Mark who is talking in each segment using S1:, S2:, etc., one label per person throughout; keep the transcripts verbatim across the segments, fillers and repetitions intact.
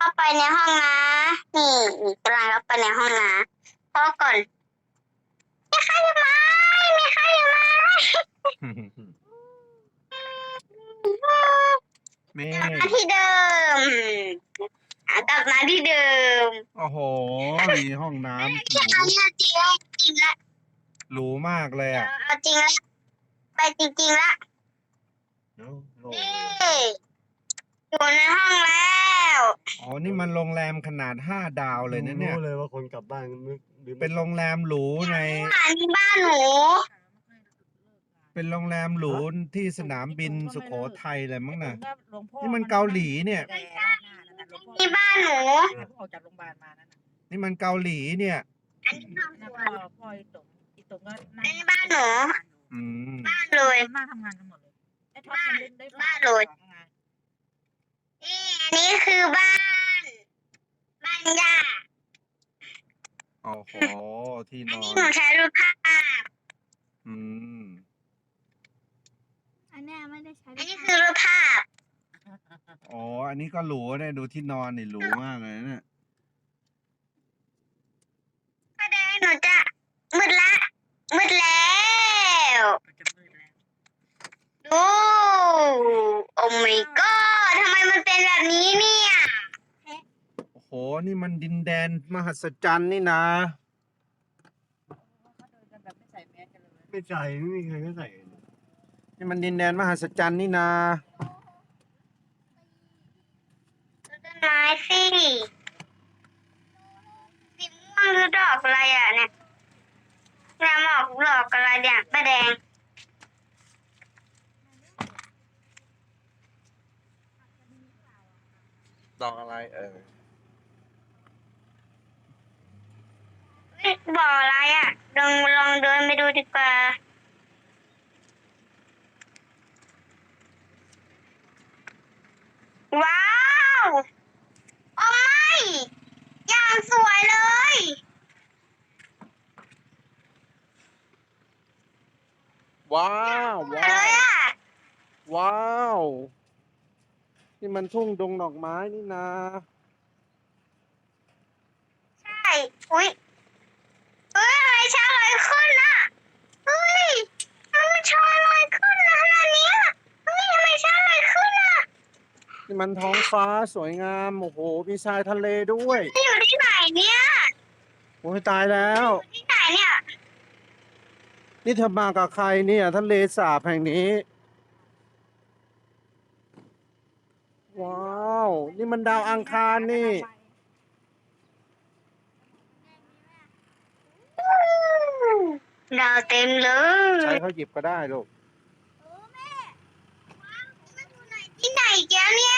S1: เข้าไปในห้องนะนี่นี่กำลังเข้าไปในห้องนะพ่อก่อนมีใครอยู่ไหมมีใครอยู่ไหม
S2: แม่
S1: กลับมาที่เดิมอ่ะกลับมาที่เดิม
S2: โอ้โหมีห้องน้ำห
S1: แค่
S2: รู
S1: เอาเนี่ยจริงแล้วจริงละ
S2: หรูมากเลยอ่ะ
S1: เอาจริงละไปจริงๆละ
S2: โอ้โห
S1: นี่อยู่ในห้องแล้ว
S2: อ๋อนี่มันโรงแรมขนาดห้าดาวเลยนะเนี่ย
S3: รู้เลยว่าคนกลับบ้านนึกหรือ
S2: เป็นโรงแรมหรูใน
S1: อันนี้บ้านหนู
S2: เป็นโรงแรมหรูที่สนามบินสุโขทัยเลยมั้งน่ะ นี่มัน
S4: นี่
S2: เกาหลีเนี่ย
S1: นี่บ้านหนู
S4: ออกจากโรงพยาบาลมานั่นน่ะ
S2: นี่มันเกาหลีเนี่ย
S1: อันนี้ห้อง
S4: นั่น
S1: สว
S4: พ่อน พ่ออีตงอีตงก็
S1: อันนี้บ้านหนู
S2: อืม
S1: บ้านเลย
S4: มาทำงานกันหมดเลยไอ้ท็อปมันเล่นได้
S1: บ้านเลย
S4: ของงาน
S1: นี่อันนี้คือบ้าน บ้านย่า
S2: โอ้โหที่
S1: อั
S2: น
S1: น
S2: อ
S1: นี้
S2: น
S1: หนูใช้รูปภาพ
S2: อืม
S5: อันเนี้ยไม่ได้ใช้
S1: อันนี้คือรูปภาพ
S2: อ๋ออันนี้ก็หรูเนี่ยดูที่นอนนี่หรูมากเลยเนี่ย
S1: ก็ได้หนูจะมืดละมืดแล้ว
S4: มันจะมืดแล้ว
S1: ดูโอ้ my god ทำไมมันเป็นแบบนี้เนี่ย
S2: โอ้โหนี่มันดินแดนมหัศจรรย์นี่นะ
S4: เขาเดินกันแบบไม่ใส่แมสกันเลย
S3: ไม่ใส่ไม่มีใครก็ใส่
S2: นี่มันดินแดนมหัศจรรย์นี่นะ
S1: ต้นไม้สิสีม่วงหรือดอกอะไรอ่ะเนี่ยน้ำออกดอกอะไรเนี่ยป้าแดง
S2: ดอกอะไรเออ
S1: เฮ้ยบ่ออะไรอ่ะลองลองเดินไปดูดีกว่าว้าวโอ้ไม่อย่างสวยเลย
S2: ว้าว
S1: สวย
S2: ว้า
S1: เล
S2: วย
S1: อ่ะ
S2: ว้าวนี่มันทุ่งดงดอกไม้นี่นะ
S1: ใช่อุ้ยเฮ้ยอะไรช้าลอยขึ้นน่ะเฮ้ยทำไมช้าลอยขึ้นนะขนาดเนี้ยเฮ้ยทำไมช้าลอยขึ้นน่ะ
S2: นี่มันท้องฟ้าสวยงามโอ้โหมีทรายทะเลด้วย
S1: อยู่ที่ไหนเนี่ย
S2: โอ้ยตายแล้ว
S1: ที่ไหนเนี่ย
S2: นี่เธอมากับใครเนี่ยทะเลสาบแห่งนี้ ว้าว นี่มันดาวอังคารนี่
S1: ดาวเต็มเล
S2: ใช้
S1: ย
S2: เขาหยิบก็ได้ลูก
S1: ที่ไหนแกเนี่ย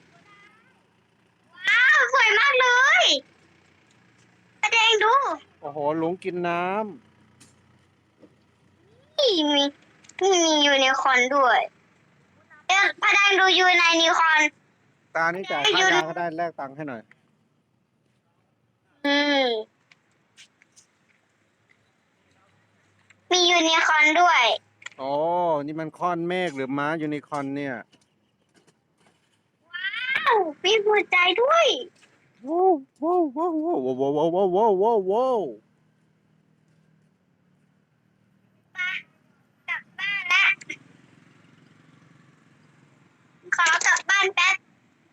S1: ว้าวสวยมากเลยแสดงดู
S2: โอ้โหหลงกินน้
S1: นี่มีนี่มียูนิคอร์นด้วยเอ๊ะแสดงดูยูในนิคอร์น
S2: ำตานี่จ่ายค่ายาก็ได้แลกตังค์ให้หน่อย
S1: อืมมียูนิคอร์นด้วย
S2: โอ้นี่มันคอนเมฆหรือม้ายูนิคอร์นเนี่ย
S1: ว้าวมีหัวใจด้วย
S2: ว้าวว้าวว้าวว้าวว้าวว้าวว้าวว้าวว้าว
S1: กลับบ้านละขอกลับบ้านแป๊บ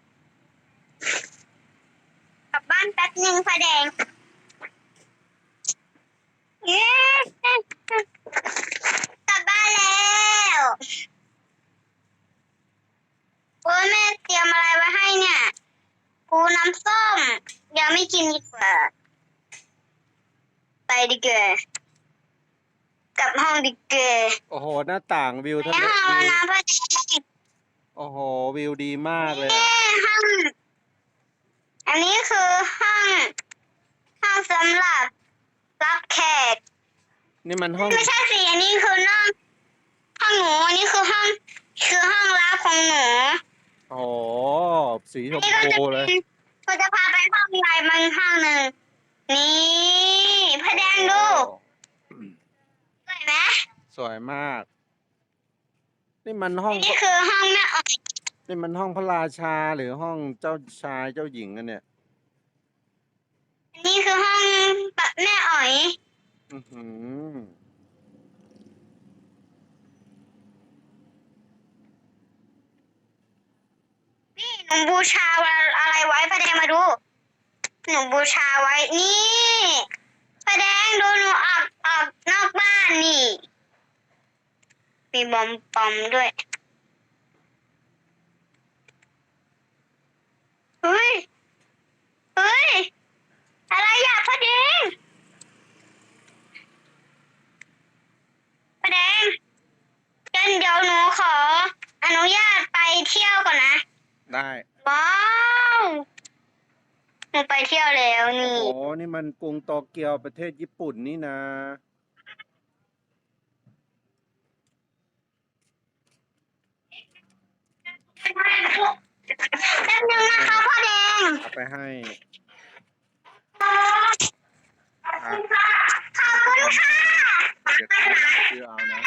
S1: กลับบ้านแป๊บหนึ่งไฟแดงเย้กลับบ้านแล้วโอ้ยแม่เตรียมอะไรไว้ให้เนี่ยปูน้ำส้มยังไม่กินดีกว่าไปดีกว่ากลับห้องดีกว่า
S2: โอ้โหหน้าต่างวิว
S1: ไป
S2: ทะเล
S1: ห้อง
S2: วิ
S1: แล้ว
S2: ว
S1: นะพ่อแดง
S2: โอ้โหวิวดีมากเลย
S1: เอ้
S2: อะ
S1: ห้องอันนี้คือห้องห้องสำหรับรับแขก
S2: นี่มันห้อง
S1: ไม่ใช่สิอันนี้คือน้องห้องหนูอันนี้คือห้องคือห้องรับของหนู
S2: โอ้โหสีช
S1: อัน
S2: ม
S1: นี้ก็จะ
S2: พู
S1: เป็
S2: เลย
S1: นเราจะพาไปห้องใหญ่บางห้องหนึ่งนี่พระแดงดูสวยไหม
S2: สวยมาก นี่มันห้อง
S1: นี่คือห้องแม่ออย
S2: นนี่มันห้องพระราชาหรือห้องเจ้าชายเจ้าหญิงกันเนี่ย
S1: นี่คือห้องปะแม่อ๋อย
S2: อือหือ
S1: นี่หนูบูชาอะไรไว้พระแดงมาดู หนูบูชาไว้ นี่พระแดงดูหนูออกออกนอกบ้านนี่ มีบอมปอมด้วย เฮ้ย เฮ้ย อะไรอยากพระแดงพระแดงกันเดี๋ยวหนูขออนุญาตไปเที่ยวก่อนนะ
S2: ได้
S1: ว้าวหนูไปเที่ยวแล้วนี่
S2: โอ้นี่มันกรุงโตเกียวประเทศญี่ปุ่นนี่นะ
S1: แป๊บนึงนะคะพ่อแดง
S2: เอาไปให้
S1: ขอบคุณค่ะ ขอบคุณค่ะ
S2: เดี๋ยวชื่อเอานะ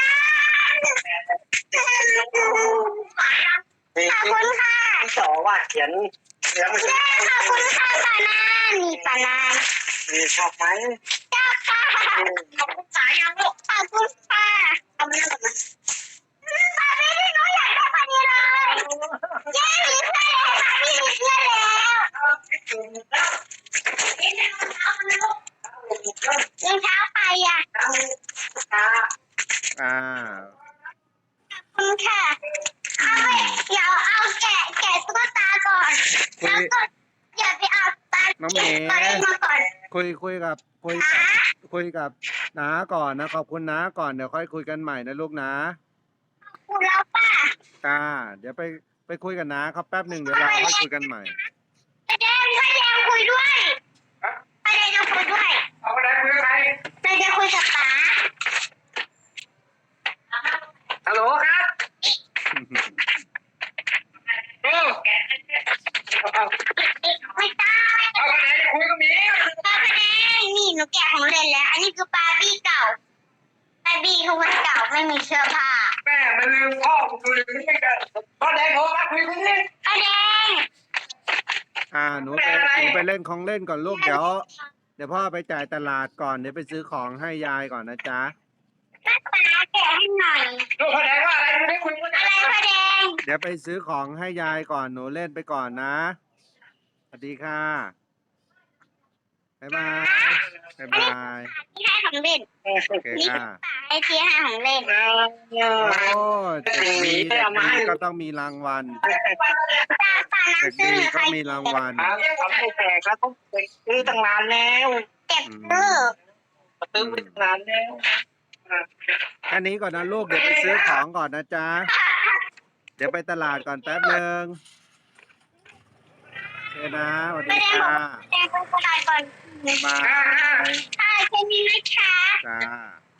S1: ขอบคุณค่ะ
S3: พี่สอว่าเขียนเขียนไม่ใช่
S1: ขอบคุณค่ะปานานี่ปานา
S3: มีชอบไหม
S1: เจ้าค่ะขอบคุณค่ะยังลูกขอบคุณค่ะเอามาแล้วกันนะปาไม่ได้หนูอยากได้ปานี้เลยเย้มีเพื่อนแล้วปาไม่มีเพื่อนแล้วยังเช้าไปอ่ะ
S2: อ่า
S1: ขอบคุณค่ะเอาไปเดี๋ยวเอาแกะแกะตุ๊กตาก่อน
S2: คุย
S1: แล้วก็อย่าไปเอาตา
S2: น้องเม
S1: แกะ
S2: ย์
S1: ตัวเล็กมาก่อน
S2: คุยคุยกับคุยกับคุยกับน้าก่อนนะขอบคุณน้าก่อนเดี๋ยวค่อยคุยกันใหม่นะลูกนะ
S1: คุณแล้วป้า
S2: จ้าเดี๋ยวไปไปคุยกับน้าเขาแป๊บหนึ่งเดี๋ยวเราค่อยคุยกันใหม่
S1: พระแดงพระแดงคุยด้วยพระแดงจะคุยด้วย
S3: เอาไปไหนคุยกับใคร
S1: พระแดงคุยกับป๋า
S3: ฮัลโหลครับโอ้
S1: ไม่ตาย
S3: เอาไปไหนคุยกับหมี
S1: พระแดงนี่หนูแกะของเล่นแล้ว อันนี้คือปาร์บี้เก่าปาร์บี้คือคนเก่าไม่มีเสื้อผ้า
S3: แม่มันลืมพ่อกูลืมไม่กันพ่อแดงโทรมาคุยกันนี่
S1: พระแดง
S2: อ่าหนูไปหนูไปเล่นของเล่นก่อนลูกเดี๋ยวเดี๋ยวพ่อไปจ่ายตลาดก่อนเดี๋ยวไปซื้อของให้ยายก่อนนะจ๊ะ
S1: ป้าป๋าแกะให้หน่อย
S3: ลูกพ่อแดงว่าอะไรไม่ได้คุยกัน
S1: อะไรพระแดง
S2: เดี๋ยวไปซื้อของให้ยายก่อนหนูเล่นไปก่อนนะสวัสดีค่ะบ๊ายบายบ๊ายบาย
S1: ที่ให้ของเล่น
S2: โอเคค่ะ
S1: ไอที่ให้ของเล่น
S2: โอ้เด็กดีเด็กดีก็ต้องมีรางวัล
S1: ตาป๋า
S2: เด็ก
S1: น้ำตื้
S2: ดี
S1: อใคร
S2: ก็มีรางวัล
S3: ทำให้แตกแล้วต้องซื้อตั้งนานแล้ว
S1: เก็บตื้อ
S3: ซื้อไปตั้งนานแล้ว
S2: แค่นี้ก่อนนะลูกเดี๋ยวไปซื้อของก่อนนะจ๊ะเดี๋ยวไปตลาดก่อนแป๊บหนึ่งโอเคนะสวัส
S1: พระ
S2: ดี
S1: แดงบอก
S2: ค่ะ
S1: ว่าแดงไปตลาดก่อน
S2: บ๊ายบาย
S1: ค่ะแค่นี้นะคะ
S2: จ้า